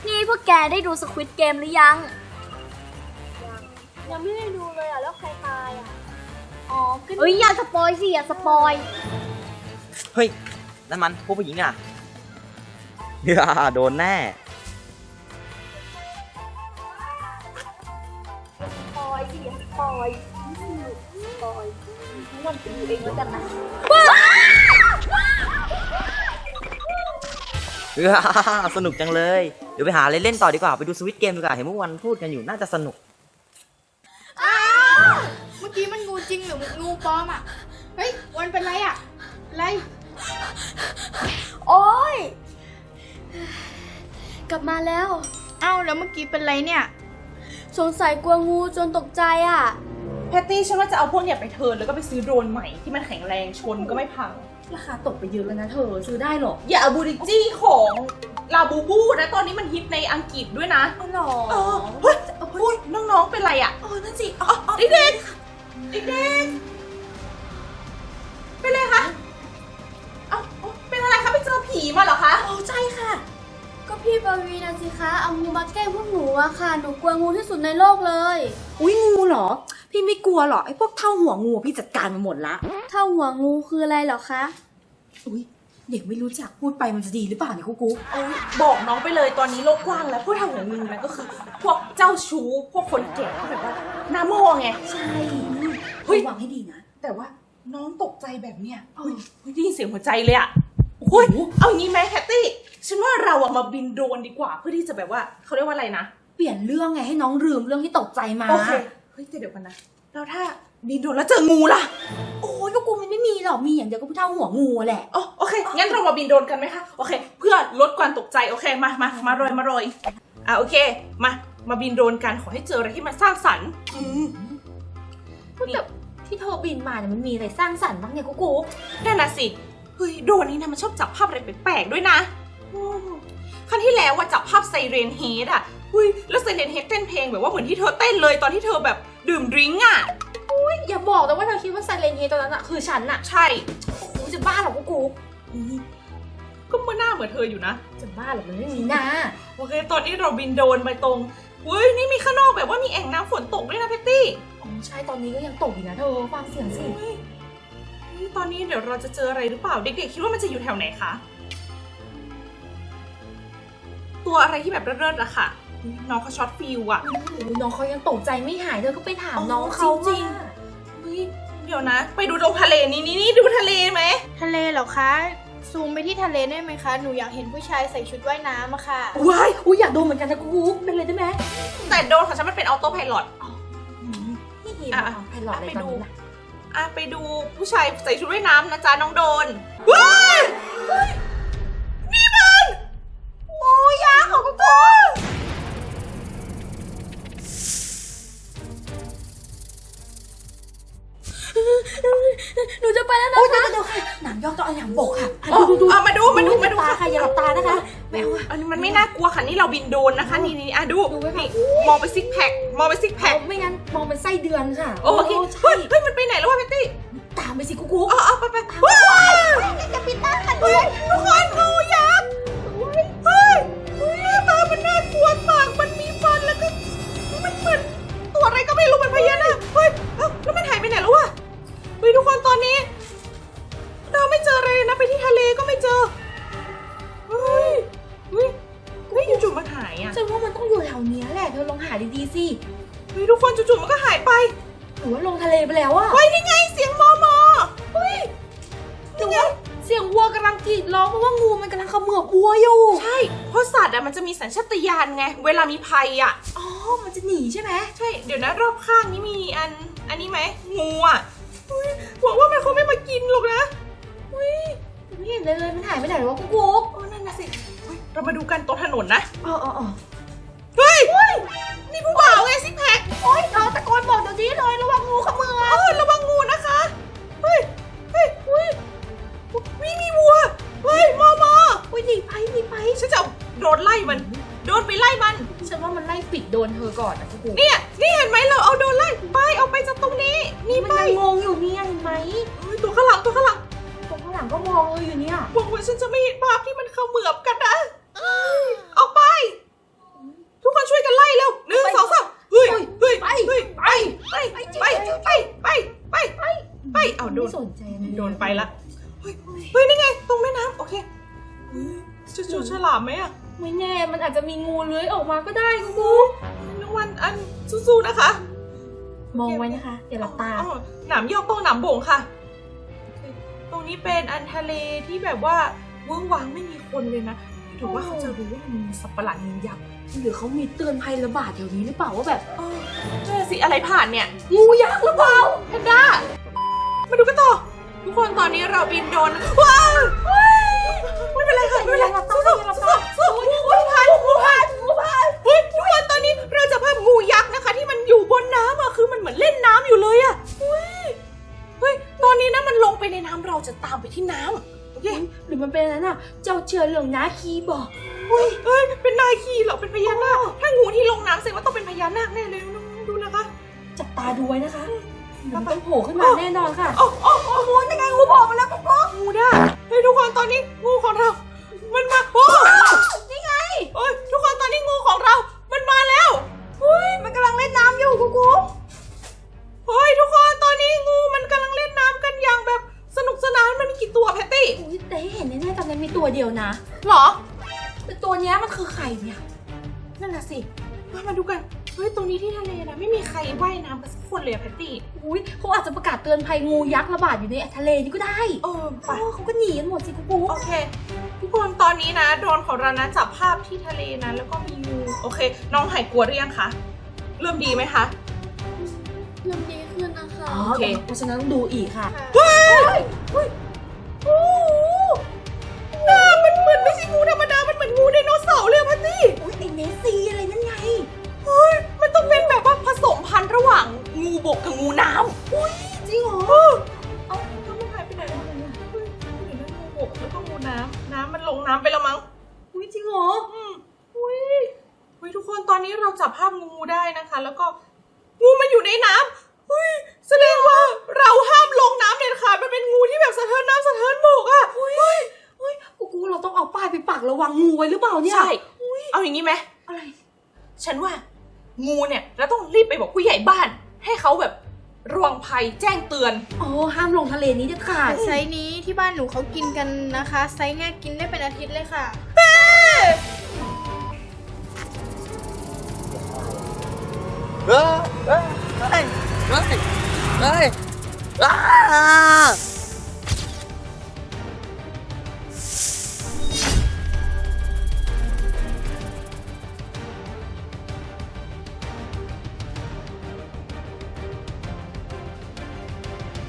นี่พวกแกได้ดู Squid Game หรือยังยังไม่ได้ดูเลยอ่ะแล้วใครตายอ่ะอ๋อเฮ้ยอย่าสปอยสิอย่าสปอยเฮ้ยนั่นมันพวกผู้หญิงอ่ะโดนแน่สปอยสิอย่าสปอยสปอยทุกวันไปดูเองแล้วกันนะสนุกจังเลยเดี๋ยวไปหาอะไรเล่นต่อดีกว่าไปดูสวิตเกมดีกว่าเห็นเมื่อวันพูดกันอยู่น่าจะสนุกเมื่อกี้มันงูจริงหรืองูปลอมอ่ะเฮ้ยวันเป็นไรอ่ะอะไรโอ๊ยกลับมาแล้วเอ้าแล้วเมื่อกี้เป็นไรเนี่ยสงสัยกลัวงูจนตกใจอ่ะแพตตี้ฉันว่าจะเอาพวกเนี่ยไปเทิร์นแล้วก็ไปซื้อโดรนใหม่ที่มันแข็งแรงชนก็ไม่พังราคาตกไปเยอะแล้วนะเธอซื้อได้หรออย่าเอาบูริจี้ของลาบูบูนะตอนนี้มันฮิตในอังกฤษด้วยนะหรอเฮ้ยน้องๆเป็นไรอ่ะนั่นสิเด็กเป็นไรคะเป็นอะไรคะไปเจอผีมาเหรอคะใช่ค่ะก็พี่ปวีนะสิคะเอางูมาแกล้งพวกหนูอะค่ะหนูกลัวงูที่สุดในโลกเลยอุ้ยงูเหรอพี่ไม่กลัวหรอไอ้พวกเท่าหัวงูพี่จัดการมาหมดละเท่าหัวงูคืออะไรเหรอคะอุ้ยเด็กไม่รู้จักพูดไปมันจะดีหรือเปล่าเนี่ยกุ๊กบอกน้องไปเลยตอนนี้โลกกว้างแล้วพวกทางเหนือมึงนะก็คือพวกเจ้าชู้พวกคนแก่แบบว่าหน้าโม่ไงใช่เฮ้ยระวังให้ดีนะแต่ว่าน้องตกใจแบบเนี้ยได้ยินเสียงหัวใจเลยอะเอางี้ไหมแคตตี้ฉันว่าเราอะมาบินโดรนดีกว่าเพื่อที่จะแบบว่าเขาเรียกว่าอะไรนะเปลี่ยนเรื่องไงให้น้องลืมเรื่องที่ตกใจมาโอเคเฮ้ยเดี๋ยวกันนะแล้วถ้าบินโดรนแล้วเจองูล่ะโอ้ยกูมันไม่มีหรอกมีอย่างเดียวก็เท่าหัวงูแหละโอเคงั้นเรามาบินโดรนกันไหมคะโอเคเพื่อลดความตกใจโอเคมาโรยโอเคมาบินโดรนกันขอให้เจออะไรที่มันสร้างสรรค์แต่ที่เธอบินมาเนี่ยมันมีอะไรสร้างสรรค์บ้างเนี่ยกูนั่นน่ะสิเฮ้ยโดรนนี้นะมันชอบจับภาพอะไรแปลกๆด้วยนะครั้งที่แล้วว่าจับภาพไซเรนเฮดอ่ะแล้วไซเรนเฮดเต้นเพลงแบบว่าเหมือนที่เธอเต้นเลยตอนที่เธอแบบดื่มดริงก์อ่ะอย่าบอกแต่ว่าเธอคิดว่าไซเลนเฮตอนนั้นอะคือฉันอะใช่โอ้โหจะบ้าหรอกูก็เมื่อหน้าเหมือนเธออยู่นะจะบ้าหรอมันไม่มีหน้าโอเคตอนนี้เราบินโดรนไปตรงนี่มีข้างนอกแบบว่ามีแอ่งน้ำฝนตกด้วยนะเพตตี้ใช่ตอนนี้ก็ยังตกอยู่นะเธอฟังเสียงสิตอนนี้เดี๋ยวเราจะเจออะไรหรือเปล่าเด็กๆคิดว่ามันจะอยู่แถวไหนคะตัวอะไรที่แบบเลิศๆอะค่ะน้องเขาช็อตฟิลอะน้องเขายังตกใจไม่หายเธอก็ไปถามน้องเขาจริงเดี๋ยวนะไปดูตรงทะเลนี่ดูทะเลไหมทะเลเหรอคะซูมไปที่ทะเลได้ไหมคะหนูอยากเห็นผู้ชายใส่ชุดว่ายน้ำอะค่ะว้ายอยากดูเหมือนกันนะกูเป็นเลยได้ไหมแต่โดนของฉันมันเป็นออโต้ไพลอตไพลอตอะไรตอนนี้ล่ะไปดูผู้ชายใส่ชุดว่ายน้ำนะจ๊ะน้องโดนว้ายนี่มันโอ้ยาของกูหนูจะไปแล้วนะคะเดี๋ยวค่ะหนังยอกต้องเอาหนังบกค่ะดูมาดูค่ะอย่าหลับตานะคะไม่เอาอันนี้มันไม่น่ากลัวค่ะนี่เราบินโดนนะคะนี่ดูนี่มองไปซิกแพคไม่งั้นมองเป็นไส้เดือนค่ะโอเคเฮ้ยมันไปไหนแล้ววะเพตตี้ตามไปสิกูไปจะปิดตาค่ะทุกคนงูยักษ์เฮ้ยตามันน่ากลัวปากมันมีฟันแล้วก็มันเหมือนตัวอะไรก็ไม่รู้มันพญานาคแล้วมันหายไปไหนแล้ววะทุกคนตอนนี้เราไม่เจออะไรนะไปที่ทะเลก็ไม่เจอเฮ้ยจู่ๆมันหายอ่ะฉันว่ามันต้องอยู่แถวนี้แหละเธอลองหาดีๆสิทุกคนจู่ๆมันก็หายไปหรือว่าลงทะเลไปแล้วอะนี่ไงเสียงมอนี่ไงเสียงวัวกำลังกรีดร้องเพราะว่างูมันกำลังเขมือบวัวอยู่ใช่เพราะสัตว์อะมันจะมีสัญชาตญาณไงเวลามีภัยอะมันจะหนีใช่ไหมใช่เดี๋ยวนะรอบข้างนี้มีอันนี้ไหมงูอะหวังว่ามันคงไม่มากินหรอกนะไม่เห็นเลยมันหายไปไหนวะกุ๊กนั่นน่ะสิเรามาดูกันตรงถนนนะเฮ้ยนี่ผู้บ่าวไงซิกแพคเธอตะโกนบอกเดี๋ยวนี้เลยระวังงูเขมือบระวังงูนะคะมีวัวมอหนีไปฉันจะโดนไล่มันโดนไปไล่มันฉันว่ามันไล่ปิดโดนเธอก่อนนะกุ๊กนี่เห็นไหมเราเอาโดนไล่ไปเอาไปจากตรงนี้นี่ไปงงอยู่เนี่ยเห็นไหมตัวข้างหลังก็มองอยู่เนี่ยหวังว่าฉันจะไม่เห็นภาพที่มันเขมือบกันนะออกไปสนใจมันโดนไปละเฮ้ยนี่ไงตรงแม่น้ำโอเคจะเจอฉลามไหมอะไม่แน่มันอาจจะมีงูเลื้อยออกมาก็ได้กูน้องวันอันสู้ๆนะคะมองไว้นะคะอย่าหลับตาอ๋อหนามยอกต้องหนามโบ่งค่ะโอเคตรงนี้เป็นอันทะเลที่แบบว่าเวิ้งว้างไม่มีคนเลยนะถือว่าเขาจะรู้ว่ามันมีสัตว์ประหลาดงูยักษ์หรือเขามีเตือนภัยระบาดแถวนี้หรือเปล่าว่าแบบนั่นสิอะไรผ่านเนี่ยงูยักษ์หรือเปล่าแพนด้ามาดูกันต่อทุกคนตอนนี้เราบินโดรนว้าวไม่เป็นไรค่ะไม่เป็นไรสู้งูผ่านเฮ้ยทุกคนตอนนี้เราจะภาพงูยักษ์นะคะที่มันอยู่บนน้ำอะคือมันเหมือนเล่นน้ำอยู่เลยอะเฮ้ยตอนนี้นะมันลงไปในน้ำเราจะตามไปที่น้ำโอเคหรือมันเป็นอะไรน่ะเจ้าเชื่อเรื่องน้าคีบอกเฮ้ยเป็นนายขี่เหรอเป็นพญานาคถ้างูที่ลงน้ำแสดงว่าต้องเป็นพญานาคแน่เลยน้องๆดูนะคะจับตาดูไว้นะคะเดี๋ยวมันต้องโผล่ขึ้นมาแน่นอนค่ะโอ้งูยังไงงูบอกมาแล้วปุ๊บงูได้เฮ้ยทุกคนตอนนี้งูของเรา มันมาโอ้นี่ไงโอ้ยทุกคนตอนนี้งูของเรา มันมาแล้วเฮ้ยมันกำลังเล่นน้ำอยู่กูเฮ้ยทุกคนตอนนี้งูมันกำลังเล่นน้ำกันอย่างแบบสนุกสนานมันมีกี่ตัวแพตตี้อุ๊ยแต่เห็นแน่ๆตอนนี้มีตัวเดียวนะหรอแต่ตัวเนี้ยมันคือใครเนี่ยนั่นน่ะสิมาดูกันเฮ้ยตรงนี้ที่ทะเลนะไม่มีใครว่ายน้ำกันสักคนเลยอะแพตตี้อุ้ยเขาอาจจะประกาศเตือนภัยงูยักษ์ระบาดอยู่ในทะเลนี่ก็ได้ไปเขาก็หนีกันหมดสิกูโอเค ทุกคนตอนนี้นะโดรนของเรานะจับภาพที่ทะเลนะแล้วก็มีงูโอเค น้องหายกลัวหรือยังคะเริ่มดีไหมคะเริ่มดีขึ้นนะคะโอเคเพราะฉะนั้นต้องดูอีกค่ะโอ้โหหน้ามันเหมือนไม่ใช่งูธรรมดามันเหมือนงูไดโนเสาร์เลยอะพัตตี้อุ้ยไอเนสซีอะไรนั่นไงเฮ้ยมันต้องเป็นแบบว่าผสมพันธุ์ระหว่างงูบกกับงูน้ำอุ้ยจริงเหรอเอาแล้วมันหายไปไหนแล้วเฮ้ยเห็นไหมงูบกแล้วก็งูน้ำมันลงน้ำไปแล้วมั้งอุ้ยจริงเหรออุ้ยทุกคนตอนนี้เราจับภาพงูได้นะคะ แล้วก็งูมันอยู่ในน้ำอุ้ยแสดงว่าเราห้ามลงน้ำเด็ดขาดมันเป็นงูที่แบบสะเทินน้ำสะเทินบกอ่ะอุ้ยกูเราต้องเอาป้ายไปปักระวังงูไว้หรือเปล่าเนี่ยใช่เอาอย่างนี้ไหมอะไรฉันว่างูเนี่ยเราต้องรีบไปบอกผู้ใหญ่บ้าน ให้เขาแบบระวังภัยแจ้งเตือนอ๋อห้ามลงทะเลนี้เด็ดขาดไซส์นี้ที่บ้านหนูเขากินกันนะคะ ไซส์เนี้ยกินได้เป็นอาทิตย์เลยค่ะเฮ้ย